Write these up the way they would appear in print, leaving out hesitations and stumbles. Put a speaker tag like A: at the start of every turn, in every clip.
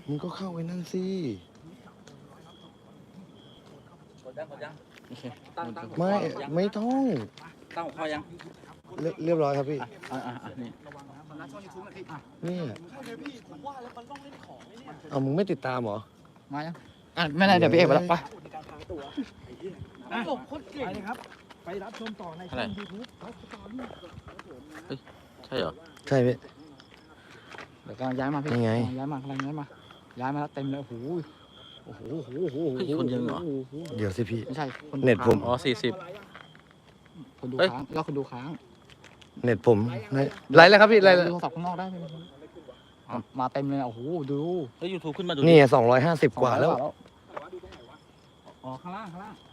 A: มึงก็เข้าไปนั่นสิไม่ต้อง
B: ตั้งหัวข้อยัง
A: เรียบร้อยครับพี่
B: นี่
A: เอามึงไม่ติดตามเหรอ
B: มายังไม่ได้เดี๋ยวพี่เอกไปแล้วไป
C: ครับไปรับชมต่อในช่อง YouTube
B: ใช่เหรอ
A: ใช่พี่
B: เดี๋ยวกำลังย้ายมาพี่ย้ายมาแล้วเต็มเลยโอ้โหคนเยอะเหรอ
A: เดี๋ยวสิพี่
B: ไม่ใช่
A: เน็ตผม
B: อ๋อ40คนดูค้างแล้วคนดูค้าง
A: เน็ตผมไลฟ์แล้วครับพี่ไลฟ์
B: โทรศัพท์ข้างนอกได้ไหมมาเต็มเลยโอ้โหดูเฮ้ย YouTube ขึ้นมาดู
A: นี่250กว่าแล้ว
B: อ๋อข้างล่าง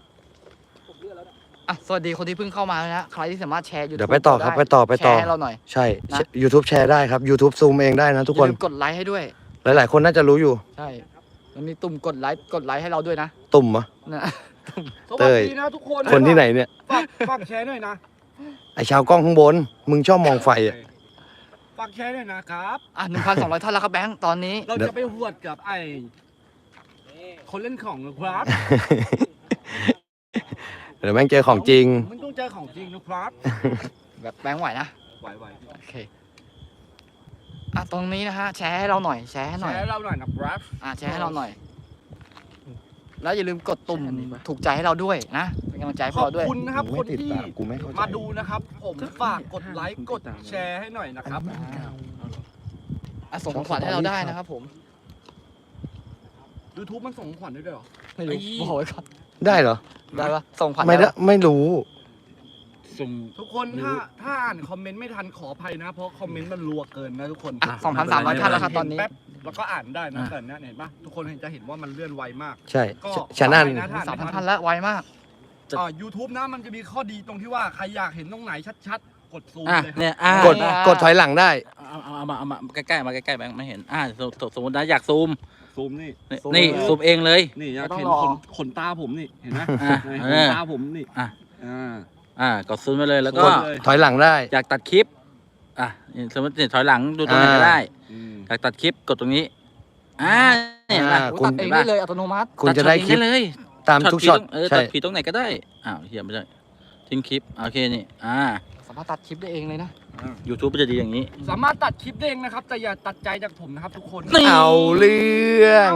B: สวัสดีคนที่เพิ่งเข้ามานะใครที่สามารถแชร์ YouTube
A: เดี๋ยวไปต่อครับไปต่อ
B: แชร์ให้เราหน่อย
A: ใช่ YouTube แชร์ได้ครับ YouTube ซูมเองได้นะทุกคน
B: กดไลค์ให้ด้วย
A: หลายๆคนน่าจะรู้อยู่
B: ใช่มันมีตุ่มกดไลค์ให้เราด้วยนะ
A: ตุ่มเหรอ
C: สวัสดีนะทุก
A: คนที่ไหนเนี่ย
C: ฝากแชร์หน่อยนะ
A: ไอชาวกล้องข้างบนมึงชอบมองไฟอ่ะ
C: ฝากแชร์หน่อยนะครับ
B: 1,200 ท่านแล้วครับแบงค์ตอนนี้
C: เราจะไปหวดกับไอคนเล่นของนะครับ
A: เดี๋ยวแม่งเจอของจริง
C: มันต้องเจอของจริงนะครับ
B: แบบแบงค์ไหวนะ
C: ไหว
B: โอเคตรงนี้นะฮะแชร์ให้เราหน่อยแชร์ให้เรา
C: หน่อยนะครับ
B: แชร์ให้เราหน่อยแล้วอย่าลืมกดตุ่มถูกใจให้เราด้วยนะเป็นกำลังใจให้เราด้วย
C: ขอบคุณนะครับคนที่มาดูนะครับผมฝากกดไลค์กดแชร์ให้หน่อยนะครับ
B: ส่งของขวัญให้เราได้นะครับผม
C: YouTube มันส่งของขวัญได้ด้วยเหรอ
B: ไม่รู้บอกไว้ก่อน
A: ได้เหรอ
B: ได้ปะส่งขวัญ
A: ไม่รู้
C: ทุกคนถ้าอ่านคอมเมนต์ไม่ทันขออภัยนะเพราะคอมเมนต์มันรัวเกินนะทุกคน
B: 2,300 ท่านแล้วครับตอนนี้
C: แล้วก็อ่านได้นะแต่เนี่ยเห็นปะทุกคนจะเห็นว่ามันเลื่อนไวมาก
A: ใช่ฉันอ่าน
B: 3,000 ท่านแล้วไวมาก
C: YouTube นะมันจะมีข้อดีตรงที่ว่าใครอยากเห็นตรงไหนชัดๆกดซูมเลย
B: เนี่ย
A: กดถอยหลังได้
B: เอามาใกล้ๆมาใกล้ๆแบงค์ไม่เห็นสมมตินะอยากซูม
C: นี่
B: ซูมเองเลย
C: นี่อยากเห็นขนตาผมนี่เห็นไหมขนตาผมนี่
B: กดซูมไปเลยแล้วก็
A: ถอยหลังได้
B: อยากตัดคลิปสมมติถอยหลังดูตรงไหนก็ได้อยากตัดคลิปกดตรงนี้เนี่ยคุณตัดเองได้เลยอัตโนมัติ
A: คุณจะได้คลิป
B: เลย
A: ตามทุกช็อต
B: ตัดผิดตรงไหนก็ได้เหี้ยไม่ได้ทิ้งคลิปโอเคนี่สามารถตัดคลิปได้เองเลยนะ YouTube จะดีอย่างนี้
C: สามารถตัดคลิปได้เองนะครับแต่อย่าตัดใจจากผมนะครับทุกคน
A: เอาเรื่อง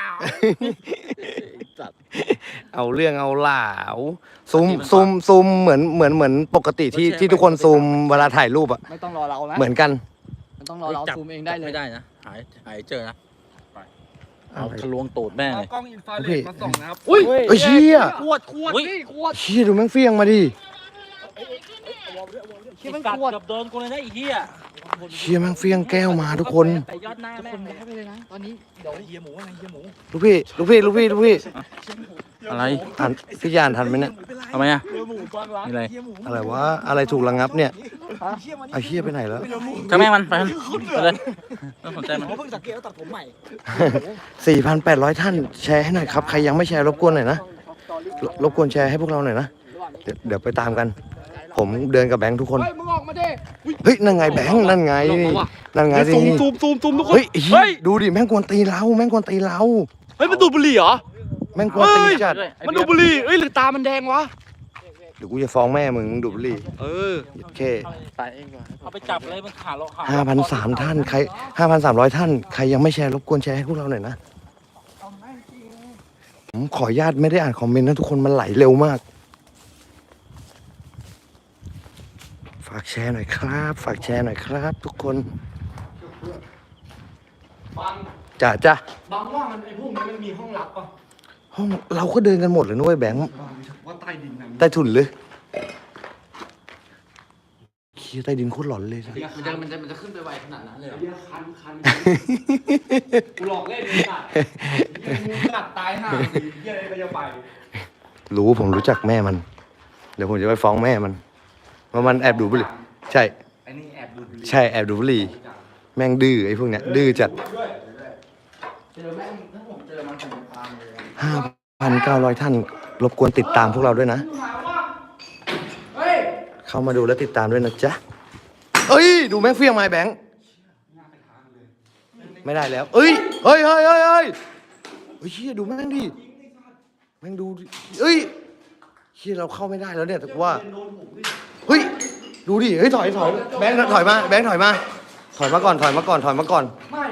A: เอาเรื่องเอาเหล่าซูมเหมือนปกติที่ทุกคนซูมเวลาถ่ายรูป
B: ไม่ต้องรอเรานะ
A: เหมือนกัน
B: ไม่ต้องรอเราซูมเองได้เลย
D: ไม่ได้นะหายเจอนะเอาทะลวงตูดแม่เลย
C: กล้องอินฟราเรดมาส่องนะครับ
A: เชี่ย
C: ขวด
A: เชี่ยดูแม่งเฟี้ยงมาดิ
D: มันกัดกับโดนกูเลยนะไอ้เหี้ย
A: เชี่ยแม่งเฟี้ยงแก้วมาทุกคน
D: ยอดหน้าแม่
B: ย้ายไปเลยนะตอนนี้เดี๋ยว
D: เฮียหมู
A: ลูกพี่
B: อะไร
A: พี่ยานทันไหมเนี่ย
B: ทำไม
A: อะไรวะอะไรถูกระงับเนี่ยไอ้เชี่ยไปไหนแล้ว
B: ถ้าแม่มันไปเลยต้องสนใจมัน
C: เพิ่งสังเกตแล้วตัดผมใหม่
A: 4,800 ท่านแชร์ให้หน่อยครับใครยังไม่แชร์รบกวนหน่อยนะรบกวนแชร์ให้พวกเราหน่อยนะเดี๋ยวไปตามกันผมเดินกับแบงค์ทุกคน
C: มึงออกมาดิ
A: เฮ้ยนั่นไงแบงค์นั่นไง
C: ซูมทุกคน
A: เฮ้ยดูดิแม่งกวนตีเราเฮ้ย
C: มันดูดบุหรี่เหรอ
A: แม่งกวนตีจัด
C: มันดูดบุหรี่หรือตามันแดงวะ
A: เดี๋ยวกูจะฟ้องแม่มึงดูดบุหรี่โอเค
D: เอาไปจับเลยมันขาเรา
A: 5,300 ท่านใคร5,300 ท่านใครยังไม่แชร์รบกวนแชร์ให้พวกเราหน่อยนะผมขออนุญาตไม่ได้อ่านคอมเมนต์นะทุกคนมันไหลเร็วมากฝากแชร์หน่อยครับทุกคนจ้ะ
C: บางว่ามันไอ้พวกนี้มันมีห้องลับป่ะ
A: ห้องเราก็เดินกันหมดเลยนุ้ยแบงค์
C: ว่าใต้ดิน
A: ใต้ถุนเลยใต้ดินโคตรหลอนเลย
B: มันจะขึ้นไปไวขนาดนั้นเลย
C: คันกูหลอกเล่นเลยสัตว์งูกัดตายห่าเหี้ยอะไรก็จะไป
A: ผมรู้จักแม่มันเดี๋ยวผมจะไปฟ้องแม่มันว่ามันแอบดูบุหรี่ใช่
C: ไอ้นี่แอบดูบุหรี่
A: ใช่แอบดูบุหรี่แม่งดื้อไอ้พวกเนี้ยดื้อจัด5,900 ท่านรบกวนติดตามพวกเราด้วยนะเข้ามาดูและติดตามด้วยนะจ๊ะเอ้ยดูแม่งเฟี้ยงไม้แบงค์ไม่ได้แล้ว เอ้ยเฮ้ยเฮ้ยเฮ้ยเฮ้ยเฮ้ยเชี่ยดูแม่งดิแม่งดูดิเอ้ยเชี่ยเราเข้าไม่ได้แล้วเนี่ยแต่ว่าเฮ้ยดูดิเฮ้ยถอยแบงค์ถอยมาแบงค์ถอยมาถอยมาก่อนถอยมาก่อนถอยมาก่อน
C: ไม่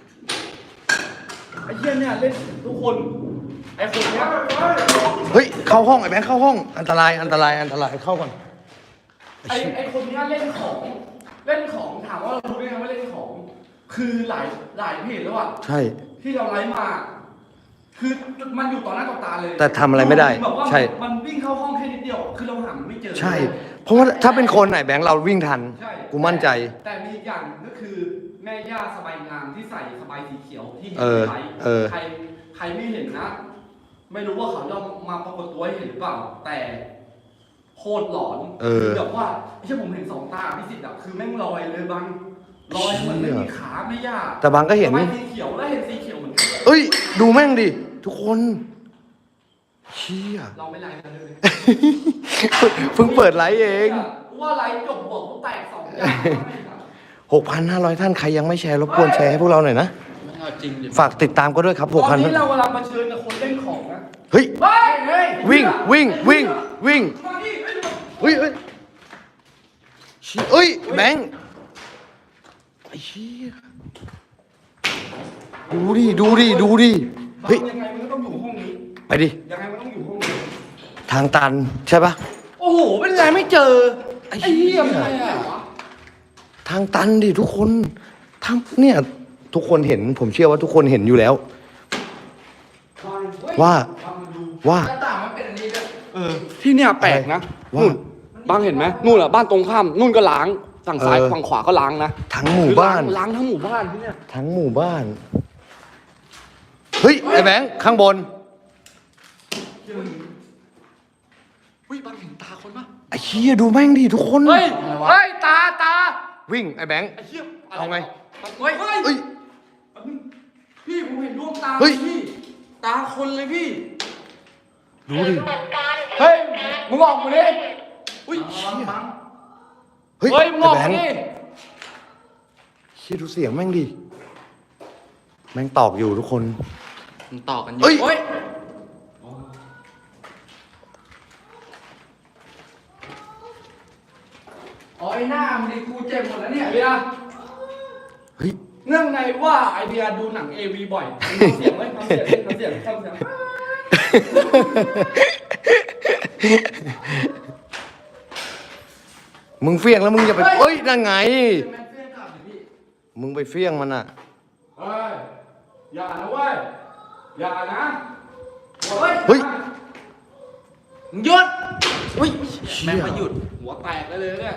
C: ไอ้เหี้ยเนี่ยเล่นทุกคนไอ้คนเนี้ย
A: เฮ้ยเข้าห้องไอ้แบงค์เข้าห้องอันตรายอันตรายอันตรายเข้าก่อน
C: ไอ้คนเนี้ยเล่นของถามว่าเรารู้ได้ไงว่าเล่นของ คือหลายเพจแล้วอ่ะ
A: ใช่
C: ที่เราไลฟ์มา คือมันอยู่ต่อหน้าต่อตาเลย
A: แต่ทำอะไรไม่ได้
C: แบบว่า
A: ใช่
C: มันวิ่งเข้าห้องแค่นิดเดียวคือเราหามันไม่เจอ
A: ใช่ เพราะว่าถ้าเป็นคนไหนแบงค์เราวิ่งทัน
C: ใช่
A: กูมั่นใจ
C: แต่มีอีกอย่างก็คือแม่ย่าสบายงามที่ใส่สบายสีเขียวที่เห็น
A: เออ
C: ในไลฟ์
A: เออ
C: ใครไม่เห็นนะ ไม่รู้ว่าเขาจะมาปรากฏตัวให้เห็นหรือเปล่า แต่โคตรหลอนคือแบบว่าไม่ใช่ผมเห็นสองตาพิสิทธิ์อะคือแม่งลอยเลยบางลอยเหมือนไม่มีขาไม่ย่า
A: แต่บางก็เห็น
C: สบายสีเขียวแล้วเห็นสีเขียวเหมือนกัน
A: เอ้ยดูแม่งดิทุกคนเชี่ย
C: เราไม่ไลฟ์กันเลย
A: เพิ่งเปิดไลฟ์เอง
C: ว่าไลฟ์จบบอกว่าแตกสองอย่าง
A: 6,500 ท่านใครยังไม่แชร์รบกวนแชร์ให้พวกเราหน่อยนะ
D: ไม่เอาจริงดิ
A: ฝากติดตามก็ด้วยครับ
C: ตอนนี้
A: 6,000
C: เรากำลังมาเชิญกับคนเล่นของนะ
A: เฮ้ย
C: เฮ้ย
A: วิ่งวิ่งวิ่งวิ่ง
C: มาดิเฮ้ย
A: เฮ้ยเฮ้ยเชี่ยเอ้ยแบงค์ไอ้เชี่ยดูดิดูดิดูดิเฮ้ย
C: ยังไงมันก็ต้องอยู่ห้องนี้
A: ไปดิ
C: ยังไงมันต้องอยู่ห้องนี้
A: ทางตันใช่ปะ
C: โอ้โห เป็นไรไม่เจอ
A: ไอ้เหี้ย
C: เป็นไรอะ
A: ทางตันดิทุกคนทางเนี่ยทุกคนเห็นผมเชื่อว่าทุกคนเห็นอยู่แล้ว ว่า ว่า
C: หน้าต่างมันเป็นอันนี้ด้วย
E: ที่เนี่ยแปลกนะ
A: ว่า
E: นู่นบางเห็นไหมนู่นอะบ้านตรงข้ามนู่นก็ล้างฝั่งซ้าย
A: เออ
E: ฝั่งขวาก็ล้างนะ
A: ทั้งหมู่บ้าน
E: คือล้างทั้งหมู่บ้านที่เนี่ย
A: ทั้งหมู่บ้าน เฮ้ย ไอ้แบงค์ข้างบน
E: อุ้ยบางเห็นตาคนปะ
A: ไอ้เชี่ยดูแม่งดิทุกคน
C: เฮ้ย เฮ้ย ตา
A: วิ่งไอ้แบงค์
E: ไอ้เหี้ย
A: เอาไง
C: เฮ้ย
A: เฮ้ย
C: พี่ผมเห็นดวงตา
A: เฮ้ย
C: พี่ ตาคนเลยพี่
A: ดูดิ
C: เฮ้ย มึงออกมาดิอุ้ย
A: เฮ้ย
C: เฮ้ย มึงออก
A: ไอ้แบ
C: มาง
A: ค์
C: ดิ
A: เชี่ยดูเสียงแม่งดิแม่งตอกอยู่ทุกคน
D: มันต่อกันอยู่
A: เฮ้ย
C: เฮ้ย อ๋อไอ้หน้ามึงดิกูเจ็บหมดแล้วเนี่ยเบียร์
A: เฮ้ย
C: เนื่องในว่าไอเบียร์ดูหนัง AV บ่อยทำเสียงไหมทำเสียงทำเสียงทำเสียง
A: มึงเฟี้ยงแล้วมึงอย่าไปเอ้ยนั่นไง
C: แม่งเฟี้ยงกลับดิพี่
A: มึงไปเฟี้ยงมันอ่ะ
C: เฮ้ย อย่านะเว้ย อย่านะเฮ้ย
A: เฮ้ย
C: หยุด
A: เฮ้ย
D: แม่งไม่หยุด
C: หัวแตกเลยเนี่ย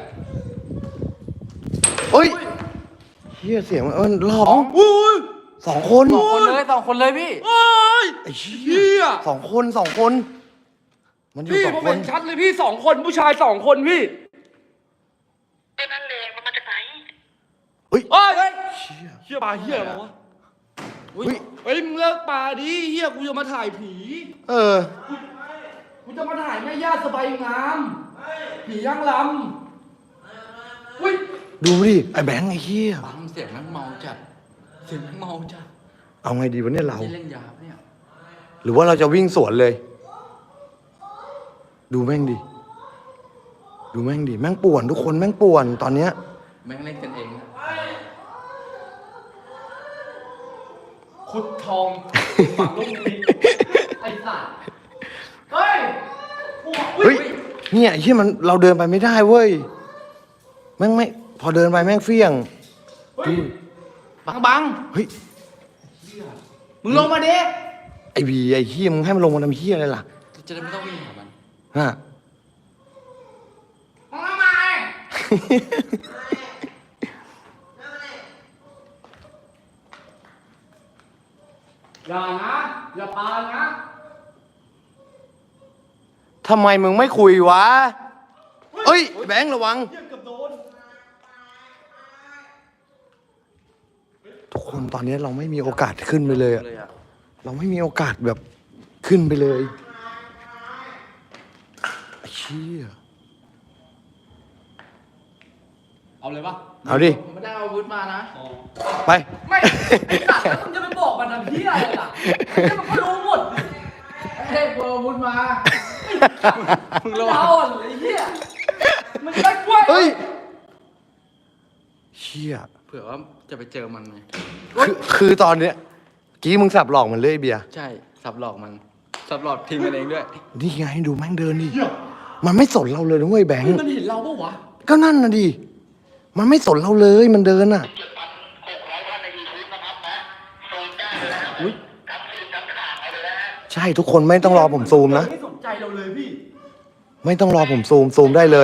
A: เฮ้ยเฮียเสียงมันร้องสองคน
C: สองคนเลยพี่
A: ไอ้เชี่ยสองคน มันอยู่
E: พี่
A: สอ
E: ผ
A: ง
E: ม
A: ค
E: เห็
A: น
E: นชัดเลยพี่สองคนผู้ชายสองคนพี่
F: นั่นเลยมันมาจากไหน
A: เฮ้ย
E: เฮ้ย
A: เชี่ย
E: เฮียปลาเฮียอะไรวะ
A: เฮ้ย
E: เฮ้ยมึงเลิกปลาดิเฮียกูจะมาถ่ายผี
A: เออ
C: กูจะมาถ่ายแม่ย่าสบายงามผีย่างลำอุ้ย
A: ดูดิไอ้แบงค์ไอ้เฮีย
D: บังเสียงแม่งเมาจัด เสียงแม่งเมาจัด
A: เอาไงดีวะเนี่ยเรา
D: ที่เล่นยาปะเนี่ย
A: หรือว่าเราจะวิ่งสวนเลย ดูแม่งดิดูแม่งดิแม่งป่วนทุกคนแม่งป่วนตอนเนี้ย
D: แม่งเล่นกันเองนะ
C: ขุดทองฝังลูกนี้ไอ้สัตว์เฮ้ย
A: เฮ้ยเนี่ยไอ้เฮียมันเราเดินไปไม่ได้เว้ยแม่งไม่พอเดินไปแม่งเฟี้ยงดู
C: บัง
A: เฮ้ย
C: มึงลงมาดิ
A: ไอ้บีไอ้เฮียมึงให้มันลงมาทำเฮียอะไรล่ะ
D: จะได้ไม่ต้องวิ่งหามัน
A: ฮะ
C: มึงทำไมอย่านะ อย่าปานะ
A: ทำไมมึงไม่คุยวะเอ้ยแบงค์ระวัง
C: เหี้ยเกือบโดน
A: ทุกคนตอนนี้เราไม่มีโอกาสขึ้นไปเลยอะ
D: เลยอ่ะ
A: เราไม่มีโอกาสแบบขึ้นไปเลยไอ้เชี่ย
C: เอาเลยปะ
A: เอาดิ
B: ผมไม่ได้เอาอาวุธมานะ
C: อ๋อ
A: ไป
C: ไม่ไอ้สัตว์แล้วมึงจะไปบอกมันทำเหี้ยอะไรล่ะไอ้เหี้ยมันก็รู้หมด
B: เฮ้ยเอาอาวุธมา
C: มึงเอาอ่ะไอ้เหี้ยมันจะได้กล้วย
A: เฮ้ยเชี่ย
B: เผื่อว่าจะไปเจอมันไง
A: คือตอนเนี้ยกี้มึงสับหลอกมันเลยไอ้เบียร์
B: ใช่สับหลอกมันสับหลอกทีมกันเองด้วย
A: นี่ไงดูแม่งเดินดิมันไม่สนเราเลยนะเว้ยแบงค์
C: มันเห็นเราปะวะ
A: ก็นั่นนะดิมันไม่สนเราเลยมันเดินอ่ะ ใช่ทุกคนไม่ต้องรอผมซูมนะ
C: ไม่สนใจเราเลยพี่
A: ไม่ต้องรอผมซูมได้เลย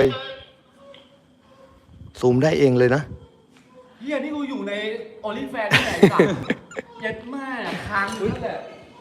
A: ซูมได้เองเลยนะ
C: เฮียนี่กูอยู่ในโอลิแฟนที่ไหนสัตว์ยัดแม่ค้างอยู่นั่นแหละ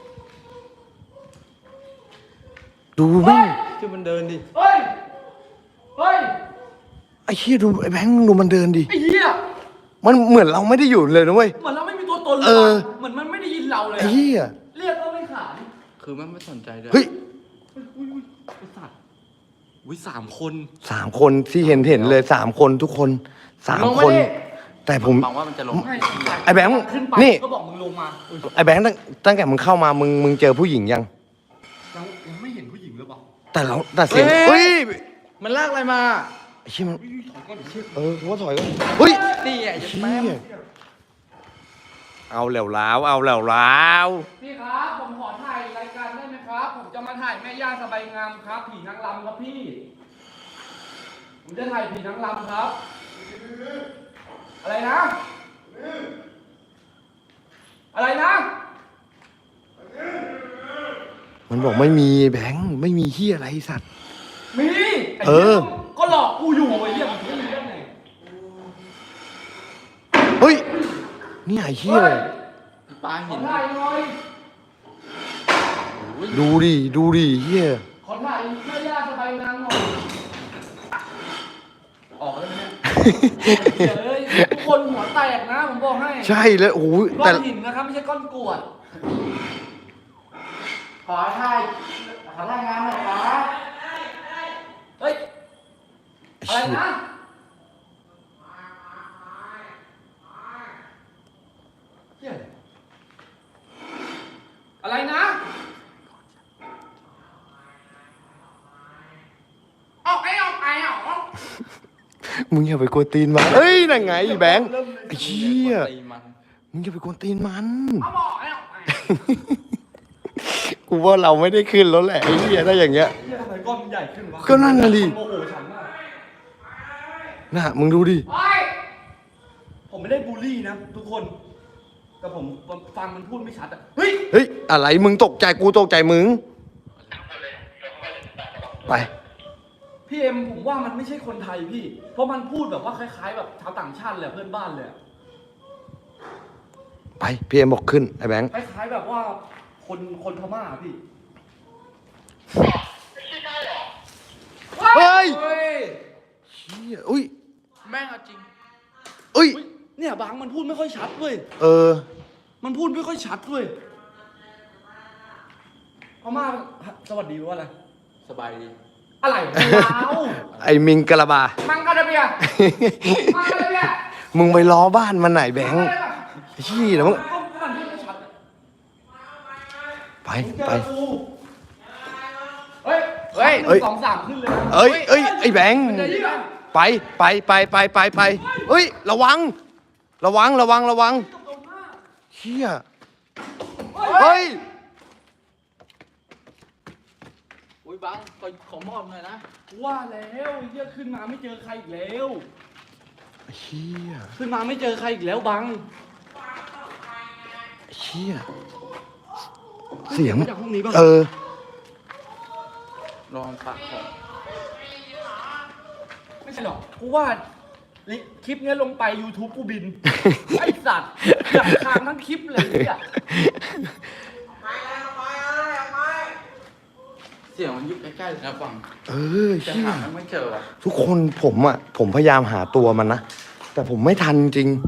A: ดูแม่ง
B: คือมันเดินดิ
C: เฮ้ย เฮ้ย
A: ไอ้เหี้ยดูไอ้แบงค์ดูมันเดินดิ
C: ไอ้เหี้ย
A: มันเหมือนเราไม่ได้อยู่เลยนะเว้ย
C: เหมือนเราไม่มีตัวตนเลย
A: เออ
C: ว่ะเหมือนมันไม่ได้ยินเราเลย
A: ไอ้
C: อะ
A: เหี้ย
C: เรียกก็ไม่ขาน
B: คือมันไม่สนใจด้วย
A: เฮ้ย
C: อุ้ยไอ้สัตว์อุ้ย3 คน
A: 3 คนที่เห็นเลย3 คนทุกคน3 คน แต่ผม
B: หวังว่ามันจะลง
C: ไม่
A: ไอ้แบงค์
C: ขึ้นไป
A: นี่
C: ก็บอกมึงลงมาอุ๊ย
A: ไอ้แบงค์ตั้งแต่มึงเข้ามามึงเจอผู้หญิงยัง
C: ยังไม่เห็นผู้หญิงหรือเปล่า
A: แต่เสียงเฮ้ย
B: มันลากอะไรมา
A: ไอ้เชี่ยมัน
C: อุ้ยถอยก่อนเชี่ย
A: กูว่าถอยก็เฮ้ย
B: นี่ไงจะ
A: เชี่
B: แม่
A: ยเอาแล้วล้าว
C: พี่ครับผมขอถ่ายรายการได้ไหมครับ ผมจะมาถ่ายแม่ย่าสบายงามครับ ผีนางรำครับพี่ ผมจะถ่ายผีนางรำครับ อะไรนะ อะไรนะ
A: มันบอกไม่มีแบงค์ไม่มีเฮียอะไรสัตว์
C: มีไอ้
A: เอ
C: เหี้
A: อ
C: ยก็หลอกกูอยู่ไอ้เหี้ยมันไม่มีได้ไง
A: เฮ้ยนี่ไอ้เฮียอะไร
B: ปลา
C: ขอ
B: หิน
C: ถ่ายหน่อย
A: ดูดิเฮีย
C: ขอถ่ายแม่ย่าสบายงามหน่อย ออกแล้วเนี่ยเฮ้ยทุกคนหัวแตกนะผมบอกให้
A: ใช่แล้วโอ้โห
C: ก้อ
A: แต่
C: นหินนะครับไม่ใช่ก้อนกรวด
B: ขอถ่ายงานหน่อยครับ
C: เฮ้ย อะไรนะเหี้ยอะไรนะออกไอ้ออกไอ้ออก
A: มึงอย่าไปกวนตีนมันเฮ้ยนั่นไงแบงค์ไอ้เชี่ย
B: ตีมัน
A: มึงอย่าไปกวนตีนมัน
C: เอาบอกไอ้ออกไอ้
A: กูว่าเราไม่ได้ขึ้นแล้วแหละไอ้เหี้ยถ้าอย่างเงี้ย
C: เหี้ยทำไมก้อนมันใหญ่ขึ้นวะ
A: ก็นั่นน่ะดิ
C: โมโหฉันมาก
A: น่ะมึงดูดิ
C: เฮ้ยผมไม่ได้บูลลี่นะทุกคน แต่ผมฟังมันพูดไม่ชัดอะเฮ้ย
A: เฮ้ยอะไรมึงตกใจกูตกใจมึงไป
C: พี่เอ็มผมว่ามันไม่ใช่คนไทยพี่ เพราะมันพูดแบบว่าคล้ายๆ แบบชาวต่างชาติเลยเพื่อนบ้านเลยอะ
A: ไปพี่เอ็มบอกขึ้นไอ้แบงค์
C: คล้ายๆแบบว่าคนพม่าอะพี่
A: เฮ้ย
C: เฮ้ย
A: เชี่ยอุ้ย
B: แม่งเอาจริง
A: อุ้ย
C: เฮ้ยเนี่ยบางมันพูดไม่ค่อยชัดเว้ย
A: เออ
C: มันพูดไม่ค่อยชัดเว้ยพม่าสวัสดีว่าอะไร
B: สบายดี
C: อะไรลาว
A: ไอ้มิงกะลาบา
C: มังกรเบียมังกรเบีย
A: มึงไปล้อบ้านมันไหนแบงค์เชี่ยแล้วมึง
C: ก็มันพูดไม่ชัดอะ
A: ไป
C: มึงเจอ
A: ไป
C: กูเฮ้ย
B: เฮ้ย
C: หนึ่งสองสามขึ้นเลยนะ
A: เอ้ยไอ้แบงค์
C: มันจะยิ่งอะ
A: ไปเฮ้ยระวังเชี่ยเฮ้ย
B: อุ้ยบังขอมอบหน่อยนะ
C: ว่าแล้วไอ้เหี้ยขึ้นมาไม่เจอใครอีกแล้ว
A: เชี่ย
C: ขึ้นมาไม่เจอใครอีกแล้วบัง
A: เชี่ยเสียง
C: มาจากห้องนี้ป่ะ
A: เออ
B: ลองปากของ
C: ไม่ใช่หรอกกูว่าคลิปเนี้ยลงไป YouTube กูบิน ไอ้สัตว์อยากค้างทั้งคลิปเลยเนี่ย
B: เสียงมันอยู่ใกล้ๆเลยนะฟัง
A: เออ
B: จะ
A: เชี่ย
B: หามันไม่เจอว่ะ
A: ทุกคนผมพยายามหาตัวมันนะแต่ผมไม่ทันจริง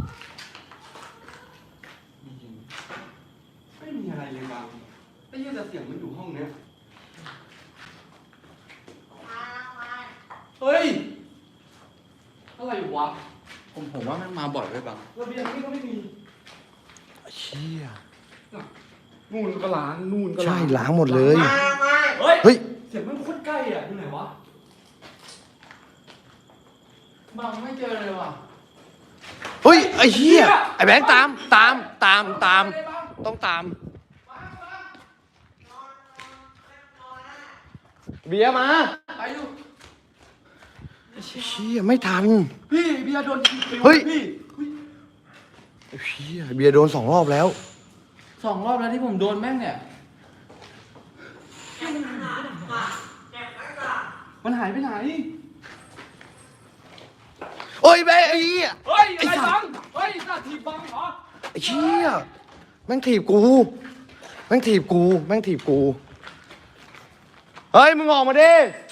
C: ไม่มีอะไรเลยบังไอ้เหี้ยแต่เสียงมันอยู่ห้องเนี้ยเฮ้ยอะไรวะ
D: ผมว่ามันมาบ่อยไปบาง
C: ระเบียงนี่ก็ไม่มี
A: เชี่ย
C: นู่นก็ล้างนู่นก็
A: ใช่
C: ล้าง
A: ล้างหมดเลย
C: เฮ้ย
A: เฮ้ย
C: เสียงมันโคตรใกล้อ่ะอยู่ไหนวะ
D: บางไม่เจอเลยว่ะ
A: เฮ้ยไอ้เหี้ยไอ้แบงค์ตามต้องตามเบียร์มา
C: ไปอยู่
A: เชี่ยไม่ทัน
C: พี่เบียร์โดนปิว
A: เฮ้ย
C: พี่
A: เชี่ยเบียร์โดน2 รอบแล้ว
D: 2 รอบแล้วที่ผมโดนแม่งเนี่ย
C: มันหายไปไหน
A: โอ้ยแบงค์ไอ้เหี้ย
C: เฮ้ย
A: ไอ้
C: อะไร
A: สั
C: บั
A: ต
C: ง
A: ว์
C: เฮ้ยหน้าทีบังเหรอ
A: ไอ้เชี่ยแม่งถีบกูแม่งถีบกูเฮ้ยมึงออกมาดิ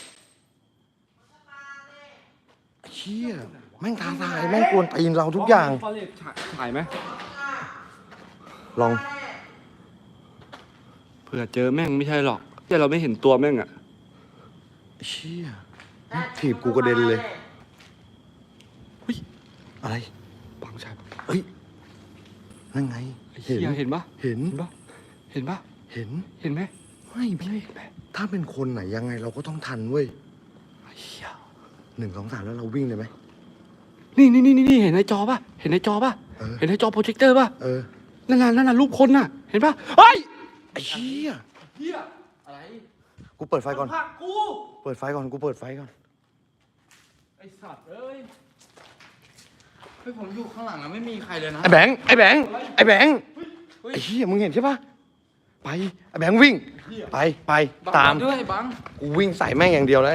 A: ไอ้เชี่ยแม่งท้าทายแม่งกวนตีนเราทุกอย่าง
C: ฟอเรสถ่ายไหม
A: ลอง
E: เผื่อเจอแม่งไม่ใช่หรอกแต่เราไม่เห็นตัวแม่งอะ
A: เชี่ยแม่งถีบกูกระเด็นเลยเฮ้ยอะไร
E: บังใช่ปะ
A: เฮ้ยนั่นไง
E: ไอ้เหี้ยเห็นปะ
A: เห็น
E: เห็นปะ
A: เห็น
E: เห็นไหม
A: ไม่พี่ถ้าเป็นคนไหนยังไงเราก็ต้องทันเว้ย
E: ไอ้เหี้ย
A: 1 2 3แล้วเราวิ่งเลยไหม
E: นี่เห็นในจอปะเห็นในจอปะ
A: เออ
E: เห็นในจอโปรเจคเตอร์ปะ
A: เออ
E: นั่นน่ะรูปคนน่ะ เห็นปะเฮ้ย
A: ไอ้เชี่ย
C: เฮีย
D: อะไร
A: กูเปิดไฟก่อน
C: ผลักกู
A: เปิดไฟก่อนกูเปิดไฟก่อน
C: ไอสัตว์เอ้ย
D: เฮ้ยผมอยู่ข้างหลังอะไม่มีใครเลยนะ
A: ไอ้แบงค์ไอ้เหี้ยมึงเห็นใช่ปะไปไอ้แบงค์วิ่งไป
D: บัง
A: ตาม
D: ด้วยบัง
A: กูวิ่งใส่แม่งอย่างเดียวแล้ว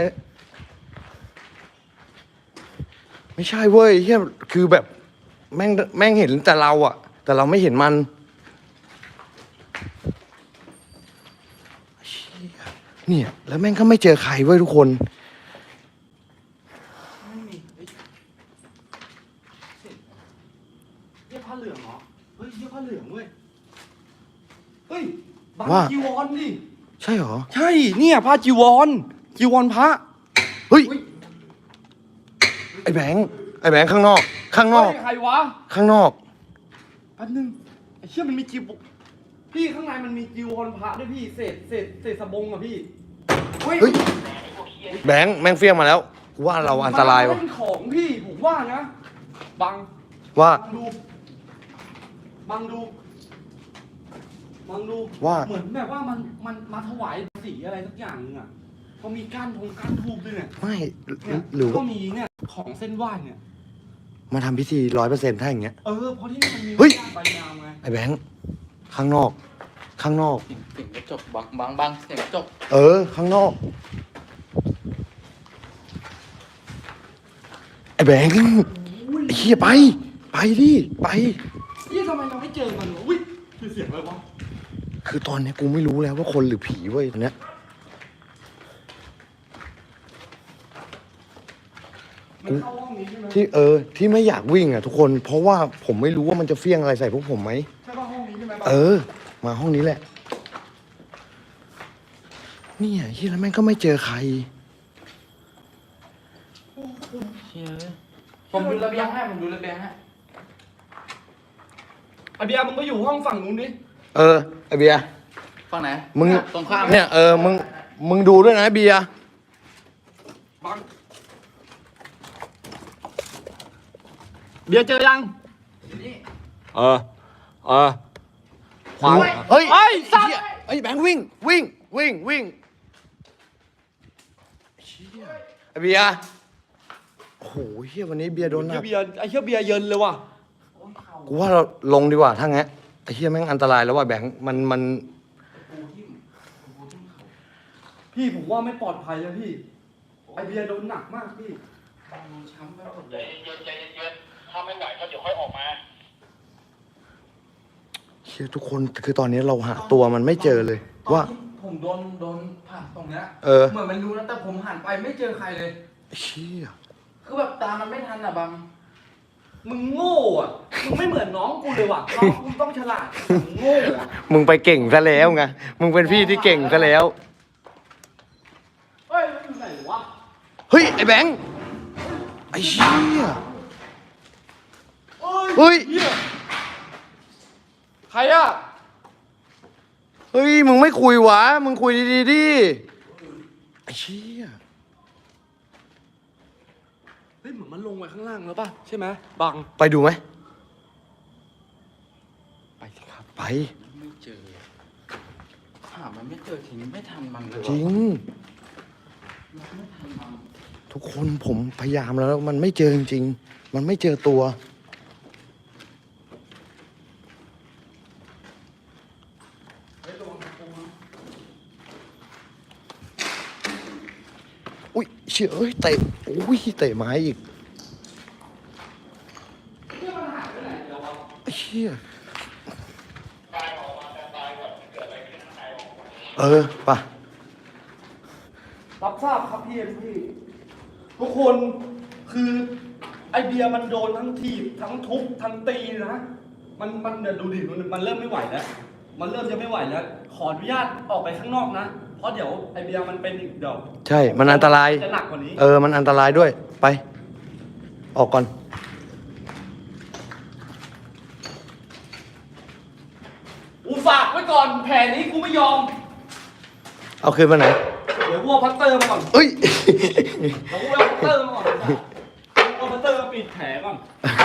A: ไม่ใช่เว้ยเฮียคือแบบแม่งเห็นแต่เราอะแต่เราไม่เห็นมันเชี่ยเนี่ยแล้วแม่งก็ไม่เจอใครเว้ยทุกคน
C: ไม่มีเฮียผ้าเหลืองเหรอ เฮ้ยเฮียผ้าเหลืองเว้ย เฮ้ยบังจีวรดิ
A: ใช่เหรอ
E: ใช่เนี่ยผ้าจีวรพระ
A: เฮ้ยไอ้แบงค์ข้างนอก
C: เฮ้ยใครวะ
A: ข้างนอก
C: แป๊บนึงไอ้เชี่ยมันมีจีวรพี่ข้างในมันมีจีวรพระด้วยพี่ เศษสบงอะพี่
A: เฮ้ยแบงค์แม่งเฟี้ยงมาแล้วกูว่าเราอันตราย
C: มั
A: ว่ะ
C: นเป็นของพี่ผมว่านะ บัง
A: ว่า
C: บังดู
A: ว่า
C: เหมือนแบบว่ามันมาถวายสีอะไรสักอย่างนึงอ่ะเขามีก้านทูบด้วยเนี่ย
A: ไม่
C: เนี่ย
A: หรือ
C: ก็
A: ว่า
C: มีเนี่ยของเส้นไหว้เนี่ย
A: มาทำพิธี100%ถ้าอย่างเงี้ย
C: เพราะที่นี่มันมี
A: เฮ้ย
C: ก้านใบยาวไง
A: ไอ้แบงค์ข้างนอก
D: เสียงกระจกบังเสียงกระจก
A: ข้างนอก ไอ้แบงค์ไอ้เหี้ยไปดิไป
C: นี่ทำไมเราไม่เจอมันวะอุ้ยคือเสียงอะไรวะ
A: คือตอนเนี้ยกูไม่รู้แล้วว่าคนหรือผีเว้ยตอนเนี้ย
C: มันเข้าห้องนี้ใช่ไหม
A: ที่ไม่อยากวิ่งอ่ะทุกคน เพราะว่าผมไม่รู้ว่ามันจะเฟี้ยงอะไรใส่พวกผมไหม
C: ใช่ป่ะห้องนี้ใช่ไหม
A: มาห้องนี้แหละเนี่ยเฮียแล้วแม่งก็ไม่เจอใคร
D: ผมดูระเบียงให้
C: ไอเบียร์มึงไปอยู่ห้องฝั่งนู้นดิ
A: ไอเบียร์
D: ฝั่งไหน
A: มึง
D: ตรงข้าม
A: เนี่ยมึงดูด้วยนะเบียร์
C: บังเบียร์เจอยัง
E: ขวาง
A: เฮ้ย
C: ไอ้สัตว์
A: เหี้ยไอ้แบงค์วิ่งเชี่ยไอเบียร์โอ้โหเฮียวันนี้เบียร์โดนหนัก
E: เบียร์ไอ้เหี้ยเบียร์เยินเลยว่ะ
A: กูว่าเราลงดีกว่าถ้างั้นไอ้เฮียแม่งอันตรายแล้วว่ะแบงค์มัน
C: พี่ผมว่าไม่ปลอดภัยเลยพี่ ไอเบียร์โดนหนักมากพี่
D: ช้ำไปหมดเลย
F: ใจเย็นถ้าไม่ไหวก็เดี๋ยวค่อยออกมา
A: เฮียทุกคนคือตอนนี้เราหาตัวมันไม่เจอเลย ว่า
D: ตอนที่ผมโดนผ่าตรงเนี้ย
A: เห
D: มือนมันรู้นะแต่ผมหันไปไม่เจอใครเลย
A: เชี่ย
D: คือแบบตามมันไม่ทันอะบัง
C: มึงโง่อะมึงไม่เหมือนน้องกูเลยว่ะ น้องกูต้องฉลาดมึงโง่อะ
A: มึงไปเก่งซะแล้วไงมึงเป็นพี่ที่เก่งซะแล้ว
C: เฮ้ยมันอยู่ไหนวะ
A: เฮ้ยไอ้แบงค์ไอ้เชี่ยเฮ้ย
E: ใครอ่ะ
A: เฮ้ย มึงไม่คุยวะ มึงคุยดีๆดิไอ้เชี่ย
E: เฮ้ยเหมือนมันลงไปข้างล่างแล้วป่ะใช่ไหมบัง
A: ไปดูไหม
E: ไปสิครับ
A: ไป
B: ไม่เจอหามันไม่เจอทิ้งไม่ทันมันเลย
A: จริง ทุกคนผมพยายามแล้ว มันไม่เจอจริงๆ มันไม่เจอตัว อุ้ยเชี่ยเอ้ยเตะอุ้ยเตะไม้อีกไอ้เชี่ยป่ะ
C: รับทราบครับพี่ทุกคนคือไอเบียร์มันโดนทั้งถีบทั้งทุบทั้งตีนะมันเดี๋ยวดูดิมันเริ่มไม่ไหวแล้ว มันเริ่มจะไม่ไหวแล้ว ขออนุญาตออกไปข้างนอกนะ เพราะเดี๋ยวไอเบียร์มันเป็นอีกเดี๋ยว
A: ใช่ มันอันตราย
C: จะหนักกว่านี้
A: มันอันตรายด้วย ไป ออกก่อน
C: กูฝากไว้ก่อนแผนนี้กูไม่ยอม
A: เอาคืนมาไหน
C: เดี๋ยวกูเอาพัตเตอร์มาก่อน
A: เอ้ย
C: เดี๋ยวกูเอาพัตเตอร์มาก่อนเอาพัตเตอร์มาปิดแผลก่อน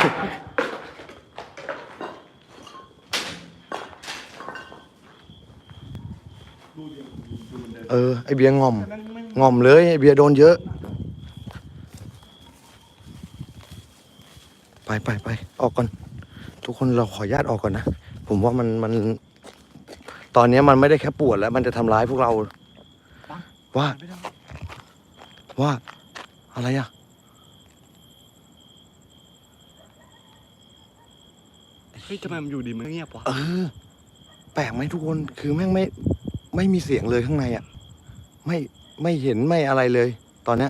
A: ไอเบียร์งอมเลยไอเบียร์โดนเยอะ ไป ออกก่อน ทุกคนเราขออนุญาตออกก่อนนะ ผมว่ามัน ตอนนี้มันไม่ได้แค่ปวดแล้ว มันจะทำร้ายพวกเรา ว่า อะไรอ่ะ
E: เฮ้ยทำไมมันอยู่ดีมันเงียบวะ
A: แปลกไหมทุกคน คือแม่งไม่มีเสียงเลยข้างในอ่ะ ไม่เห็นไม่อะไรเลย ตอนเนี้ย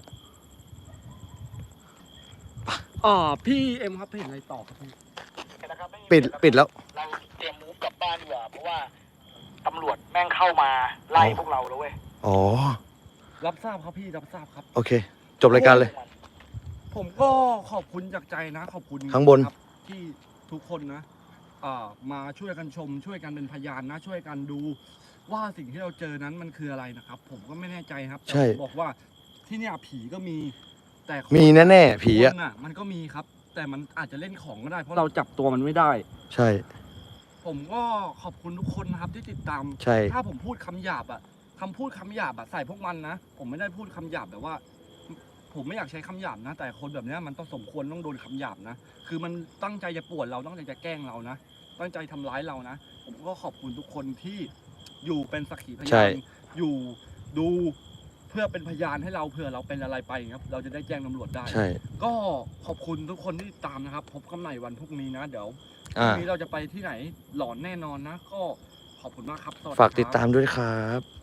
E: พี่เอ็มครับเห็นอะไรต่อครับพี่
F: นะครับไม่มี
A: ปิดแล้ว
F: เราเตรียมมูฟกลับบ้านดีกว่าเพราะว่าตำรวจแม่งเข้ามาไล่พวกเราแล้วเว้ย
A: อ๋อ
E: รับทราบครับพี่รับทราบครับ
A: โอเค จบรายการเลย
E: ผมก็ขอบคุณจากใจนะ ขอบคุณ
A: ข้างบน
E: ครับที่ทุกคนนะมาช่วยกันชม ช่วยกันเป็นพยานนะ ช่วยกันดูว่าสิ่งที่เราเจอนั้นมันคืออะไรนะครับ ผมก็ไม่แน่ใจครับแต่
A: ใช่
E: ผมบอกว่าที่เนี่ยผีก็มี แต่คน
A: มีแน่ๆผีอ่ะ
E: คนมันก็มีครับ แต่มันอาจจะเล่นของก็ได้ เพราะเราจับตัวมันไม่ได้
A: ใช่
E: ผมก็ขอบคุณทุกคนนะครับที่ติดตาม
A: ใช่
E: ถ้าผมพูดคำหยาบอะคำพูดคำหยาบอะใส่พวกมันนะ ผมไม่ได้พูดคำหยาบแบบว่า ผมไม่อยากใช้คำหยาบนะ แต่คนแบบเนี้ยมันต้องสมควรต้องโดนคำหยาบนะ คือมันตั้งใจจะป่วนเราตั้งใจจะแกล้งเรานะ ตั้งใจทำร้ายเรานะ ผมก็ขอบคุณทุกคนที่อยู่เป็นสักขีพ
A: ใช่
E: ยานอยู่ดูเพื่อเป็นพยานให้เราเผื่อเราเป็นอะไรไปครับ เราจะได้แจ้งตำรวจได้
A: ใช่
E: ก็ขอบคุณทุกคนที่ติดตามนะครับ พบกันใหม่วันพรุ่งนี้นะ เดี๋ยวพ
A: อ่า
E: รุ่งนี้เราจะไปที่ไหนหลอนแน่นอนนะ ก็ขอบคุณมากครับสวัสดี
A: ฝากติด
E: ครับ
A: ตามด้วยครับ